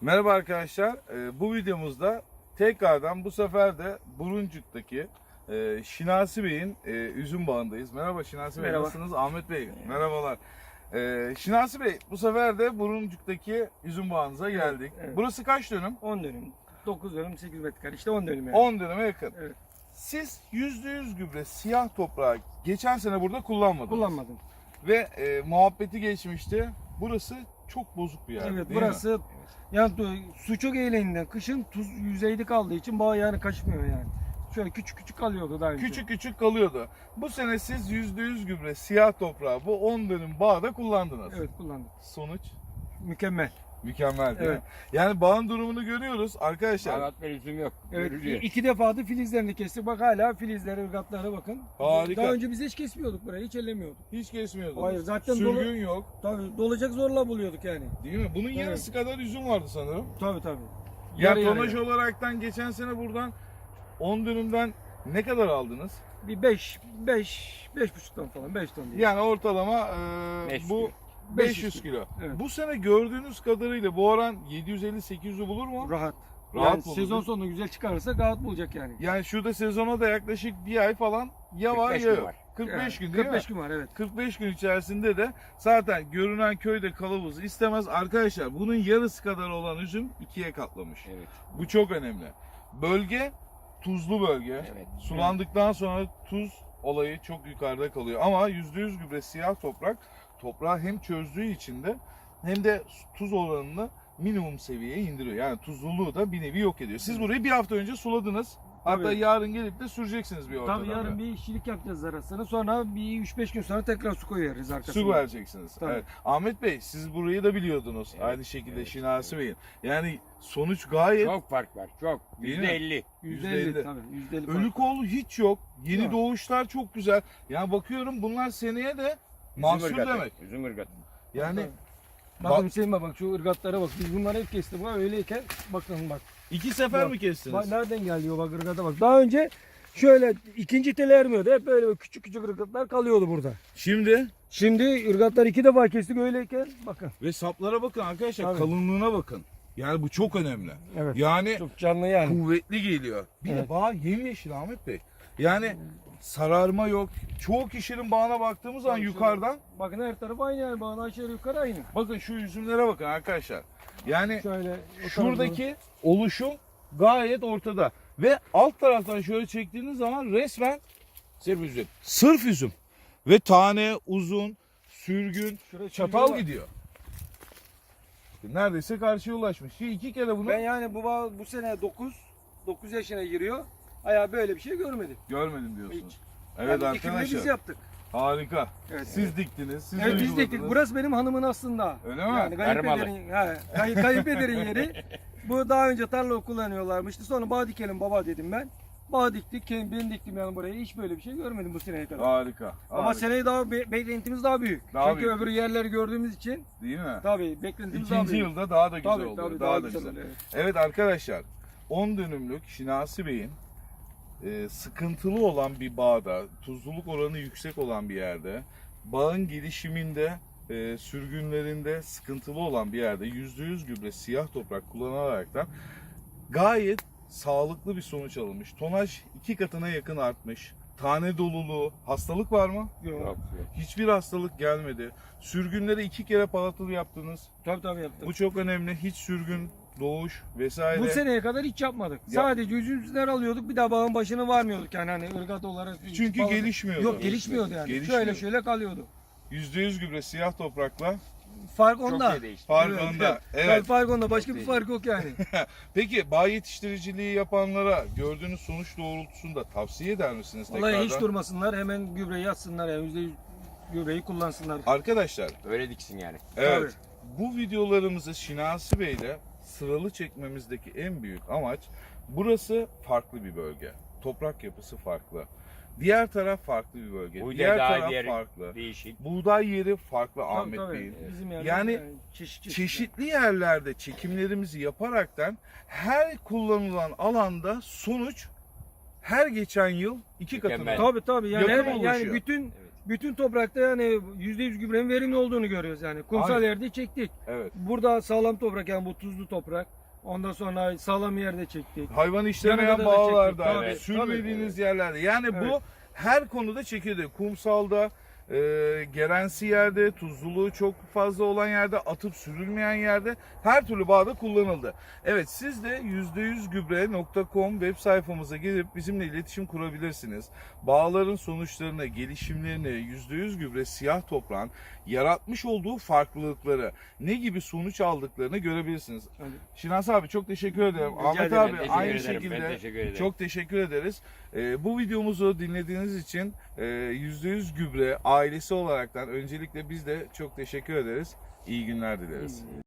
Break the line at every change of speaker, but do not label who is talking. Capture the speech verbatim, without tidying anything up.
Merhaba arkadaşlar. Ee, bu videomuzda tekrardan bu sefer de Buruncuk'taki e, Şinasi Bey'in e, üzüm bağındayız. Merhaba Şinasi Bey,
Merhaba.
nasılsınız? Ahmet Bey, merhabalar. Ee, Şinasi Bey, bu sefer de Buruncuk'taki üzüm bağınıza geldik.
evet.
Burası kaç dönüm?
on dönüm. dokuz dönüm, sekiz metrekare. İşte on dönüm yani.
on dönüme yakın.
Evet.
Siz yüzde yüz gübre siyah toprağı geçen sene burada kullanmadınız.
Kullanmadım.
Ve e, muhabbeti geçmişti. Burası çok bozuk bir yer.
Evet,
değil
burası
mi?
yani tu- su çok eğleğinden kışın tuz yüzeyde kaldığı için bağ yani kaçmıyor yani. Şöyle küçük küçük kalıyordu daha önce.
Küçük küçük kalıyordu. Bu sene siz yüzde yüz gübre siyah toprağı bu on dönüm bağda kullandınız.
Evet, kullandım.
Sonuç
Mükemmel.
mükemmel değil
Evet.
mi? Yani bağın durumunu görüyoruz arkadaşlar.
Sanat ve üzüm yok.
Evet,
Görülüyor.
iki defa da filizlerini kestik. Bak hala filizleri, ırgatlara bakın.
Harika.
Daha önce biz hiç kesmiyorduk burayı, hiç ellemiyorduk.
Hiç kesmiyordunuz.
Hayır, zaten
Sürgün
dolu-
yok.
Tabii dolacak zorla buluyorduk yani.
Değil mi? Bunun
Evet.
yarısı kadar üzüm vardı sanırım.
Tabii tabii.
Ya
Yarı
tonaj
yarıya.
olaraktan geçen sene buradan on dönümden ne kadar aldınız?
Bir beş, beş, beş buçuk ton falan, beş ton değil.
Yani ortalama e,
beş yüz
bu
kilo.
beş yüz kilo.
Evet.
Bu sene gördüğünüz kadarıyla bu oran yedi yüz elli sekiz yüzü bulur mu?
Rahat.
Rahat
yani
bulur,
sezon
değil mi?
sonunda güzel çıkarırsa rahat bulacak yani.
Yani şurada sezona da yaklaşık bir ay falan ya var
kırk beş
ya
gün
yok.
var.
kırk beş
Evet,
gün değil
kırk beş
mi?
gün var, evet.
kırk beş gün içerisinde de zaten görünen köyde kılavuz istemez. Arkadaşlar bunun yarısı kadar olan üzüm ikiye katlamış.
Evet.
Bu çok önemli. Bölge tuzlu bölge.
Evet.
Sulandıktan sonra tuz olayı çok yukarıda kalıyor. Ama yüzde yüz gübre siyah toprak toprağı hem çözdüğü için de hem de tuz oranını minimum seviyeye indiriyor. Yani tuzluluğu da bir nevi yok ediyor. Siz burayı bir hafta önce suladınız. Hatta
Tabii.
yarın gelip de süreceksiniz bir ortadan.
Tabii yarın bir işçilik yapacağız arasını. Sonra bir üç beş gün sonra tekrar su koyarız arkasına.
Su vereceksiniz.
Tabii.
Evet. Ahmet Bey siz burayı da biliyordunuz.
Evet,
Aynı şekilde
evet,
Şinasi Bey'in. Yani sonuç gayet
Çok fark var. Çok.
Değil mi?
Yüzde elli.
yüzde
yüzde elli.
elli tabii. yüzde elli
ölü kol hiç yok. Yeni
Yok.
doğuşlar çok güzel. Yani bakıyorum bunlar seneye de mahsul
Üzüm ırgatı.
demek.
Üzüm ırgatı.
Yani
Bakın Hüseyin bak, bak şu ırgatlara bak. Biz bunları hep kestik. Bak öyleyken bakın bak.
iki sefer
Bak,
mi kestiniz?
Bak nereden geliyor bak ırgata bak. Daha önce şöyle ikinci tele ermiyordu. Hep böyle küçük küçük ırgatlar kalıyordu burada.
Şimdi
Şimdi ırgatlar iki defa kestik öyleyken bakın.
ve saplara bakın arkadaşlar,
Tabii.
kalınlığına bakın. Yani bu çok önemli.
Evet.
Yani
Çok canlı yani.
kuvvetli geliyor. Bir de
Evet.
bağ yemyeşil Ahmet Bey. Yani sararma yok. Çoğu kişinin bağına baktığımız zaman
Tabii,
yukarıdan
Bakın her taraf aynı yani. Bağın aşağı yukarı aynı.
bakın şu üzümlere bakın arkadaşlar. Yani
Şöyle o
şuradaki oluşum gayet ortada. Ve alt taraftan şöyle çektiğiniz zaman resmen
Sırf üzüm.
sırf üzüm. Ve tane, uzun, sürgün,
Şurada
çatal
sürgün var.
gidiyor. Neredeyse karşıya ulaşmış. Şimdi iki kere bunu
Ben yani bu bağ bu sene dokuz dokuz yaşına giriyor. Ayağı böyle bir şey görmedim.
görmedim diyorsunuz.
Hiç.
Evet
yani dikimini
arkadaşlar.
biz yaptık.
Harika.
Evet.
Siz diktiniz, siz
Evet biz
uyguladınız.
diktik. Burası benim hanımın aslında.
Öyle mi?
Yani kayınpederin, he, kay, kayınpederin yeri. Bu daha önce tarla kullanıyorlarmıştı. Sonra bağ dikelim baba dedim ben. Bağ diktik. Kendim ben diktim yani buraya. Hiç böyle bir şey görmedim bu seneye kadar.
Harika.
Ama
harika.
seneye daha be- beklentimiz daha büyük.
Daha
Çünkü
büyük.
öbür yerleri gördüğümüz için
Değil mi?
tabii beklentimiz daha
İkinci
büyük.
yılda daha da güzel
Tabii,
oluyor.
tabii,
daha,
daha
da
güzel
güzel.
oluyor, evet.
Evet arkadaşlar, on dönümlük Şinasi Bey'in e, sıkıntılı olan bir bağda, tuzluluk oranı yüksek olan bir yerde, bağın gelişiminde, e, sürgünlerinde sıkıntılı olan bir yerde yüzde yüz gübre siyah toprak kullanaraktan gayet sağlıklı bir sonuç alınmış. Tonaj iki katına yakın artmış. Tane doluluğu, hastalık var mı?
Yok.
Yok. yok.
Hiçbir hastalık gelmedi. Sürgünleri iki kere palatılı yaptınız.
Tabii tabii yaptık.
Bu çok önemli. Hiç sürgün, doğuş vesaire.
Bu seneye kadar hiç yapmadık. Sadece üzümler alıyorduk. Bir daha bağın başına varmıyorduk yani hani ırgat olarak.
Çünkü
Bağ-
gelişmiyordu.
Yok gelişmiyordu yani.
Gelişmiyor.
Şöyle şöyle kalıyordu.
yüzde yüz gübre siyah toprakla
Fark
Çok
onda.
şey değişti.
fark
Evet,
onda.
evet.
Evet.
Fark onda. Başka bir
değil.
fark yok yani.
Peki bağ yetiştiriciliği yapanlara gördüğünüz sonuç doğrultusunda tavsiye eder misiniz tekrardan?
Vallahi hiç durmasınlar. Hemen gübreyi atsınlar. Yani yüzde yüz gübreyi kullansınlar.
Arkadaşlar,
Öyle diksin yani.
evet. Bu videolarımızı Şinasi Bey'le sıralı çekmemizdeki en büyük amaç, burası farklı bir bölge. Toprak yapısı farklı. Diğer taraf farklı bir bölge.
Buğday
Diğer
daha
taraf
diğer-
farklı.
Değişik.
Buğday yeri farklı
Tabii,
Ahmet
tabii.
Bey'in.
Bizim yerler
Yani
çeşit çeşit.
Çeşitli yerlerde çekimlerimizi yaparaktan her kullanılan alanda sonuç her geçen yıl iki katına.
Mükemmel.
Tabii tabii. Yani,
Yakın
hem-
oluşuyor.
yani bütün
Evet.
bütün toprakta yani yüzde yüz gübrenin verimli olduğunu görüyoruz yani. Kumsal
Aynen.
yerde çektik.
Evet.
Burada sağlam toprak yani bu tuzlu toprak. Ondan sonra sağlam yerde çektik.
Hayvan işlemeyen
Yanında da
bağlarda,
çektik.
Tabii,
sürmediğiniz
tabii.
yerlerde. Yani
Evet.
bu her konuda çekildi. Kumsalda, e, gerensi yerde, tuzluluğu çok fazla olan yerde, atıp sürülmeyen yerde her türlü bağda kullanıldı. Evet, siz de yüzde yüz gübre nokta com web sayfamıza gelip bizimle iletişim kurabilirsiniz. Bağların sonuçlarını, gelişimlerini, yüzde yüz gübre siyah toprağın yaratmış olduğu farklılıkları, ne gibi sonuç aldıklarını görebilirsiniz.
Hani
Şinas abi çok teşekkür ederim.
Rica
Ahmet
ederim.
abi
Teşekkür
aynı
ederim, ben
şekilde
teşekkür ederim.
çok teşekkür ederiz. Ee, bu videomuzu dinlediğiniz için e, yüzde yüz gübre ailesi olaraktan öncelikle biz de çok teşekkür ederiz. İyi günler dileriz.